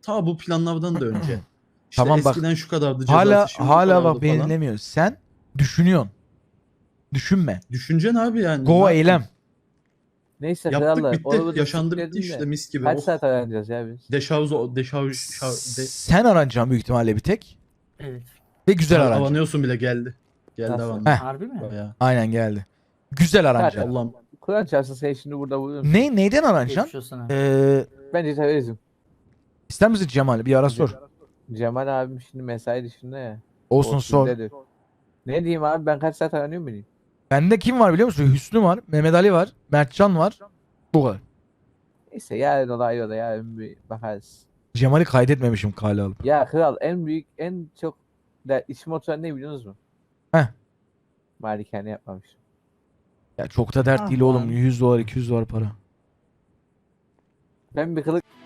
ta bu planlardan da önce. İşte Tamam bak, eskiden şu kadardı ceza hala artışı, şimdi bu hala kadardı bak beni falan. dinlemiyor. Sen düşünüyorsun. Düşünme. Düşüneceksin abi yani. Ne Go yapayım? eylem. Neyse Yaptık krallar. Onu bitti. bunu Yaşandı bitti siktirdin işte de. mis gibi. Kaç Oh. saat öğreneceğiz ya biz? Sen aranacaksın büyük ihtimalle bir tek. Evet. Ve güzel aranacaksın. Avanıyorsun bile geldi. Geldi Nasıl? avandı. Heh. Harbi mi? Bayağı. Aynen geldi. Güzel aranacaksın. Zaten. Allah'ım. Kur'an çarpsın sen şimdi burada buluyor musun? Neyden Geçmiş aranacaksın? olsun ha. Bence terörizm. İster misin Cemal? Bir ara sor. Cemal abim şimdi mesai dışında ya. Olsun O sor. filmdedir. Ne diyeyim abi, ben kaç saat aranıyorum bileyim. Bende kim var biliyor musun? Hüsnü var. Mehmet Ali var. Mertcan var. Bu kadar. Neyse yarın olay o da yarın bir bakarız. Cemal'i kaydetmemişim kale alıp. Ya kral, en büyük en çok içim oturan ne biliyor musun? Heh. Malikane yapmamışım. Ya çok da dert Ah değil oğlum. lan. 100 dolar 200 dolar para. Ben bir kılık